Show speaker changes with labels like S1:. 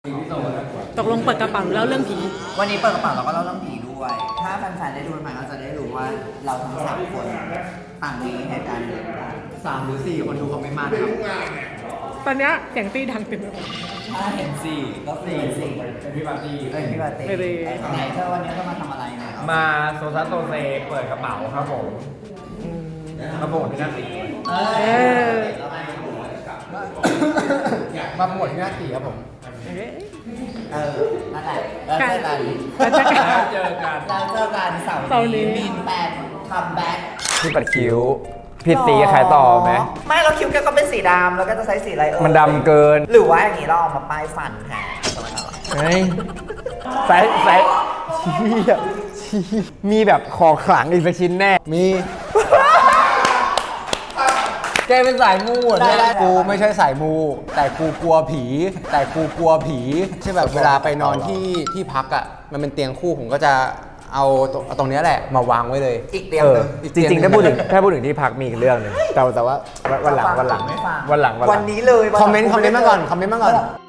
S1: ตกลงเปิดกระเป๋าหรือเล่าเรื่องผี
S2: วันนี้เปิดกระเป๋าเราก็เล่าเรื่องผีด้วย ถ้าแฟนๆได้ดูใหม่ก็จะได้รู้ว่าเราทั้งสามคนต่างมีเหตุการณ์เดียวกัน
S3: 3 หรือ 4 คนดูคอมเมนต์มาครับ
S1: ตอนเนี้ยเสียงตีดังเต็มไปหมด
S2: ถ้าเห็นสี่ก็คือเห็นสี่
S3: เป็นพี่ปาร์ตี้
S2: พี่บาเต้
S1: ไม่ได้
S2: ไหนเธอวันนี้ต้องมาทำอะไรเนี่ย
S3: มาโซซัสโซเซเปิดกระเป๋าครับผมมาโปรโมทที่หน้าสี
S2: เอ
S1: เออ
S3: มาโปรโมทที่หน้าสีครับผม
S2: นั่นแหละแล้วเจอกัน
S1: แล้วเจอกัน
S3: แล้วเจอกัน
S2: แล้วเจอกันเสา
S1: เสาร์
S2: ร์
S1: นี้
S2: นี้มีนแปดคัมแบ็ก
S4: ที่ปัดคิ้วผิดสีขายต่อไหม
S2: ไม่เราคิ้วแกก็เป็นสีดำแล้วก็จะใช้สีอะไร
S4: มันดำเกิน
S2: หรือว่าอย่างนี้เราเอามาป้ายฟันแทนทำไมล่ะ
S4: เฮ้ยใส่เชี่ยมีแบบของขลังอีกสักชิ้นแน่ มี แกเป็นสายมูเหรอเนี่ยกูไม่ใช่สายมู แต่กูกลัวผีใช่แบบเวลาไปนอนที่พักอ่ะมันเป็นเตียงคู่ผมก็จะเอาตรงเนี้ยแหละมาวางไว้เลย
S2: อีกเตียงหนึ่ง
S4: จริงๆถ้าพูดถึงที่พักมีอีกเรื่องหนึงแต่ว่าวันหลัง
S2: ไม่ฟัง
S4: วันหลัง
S2: วันนี้เลย
S4: คอมเมนต์มาก่อน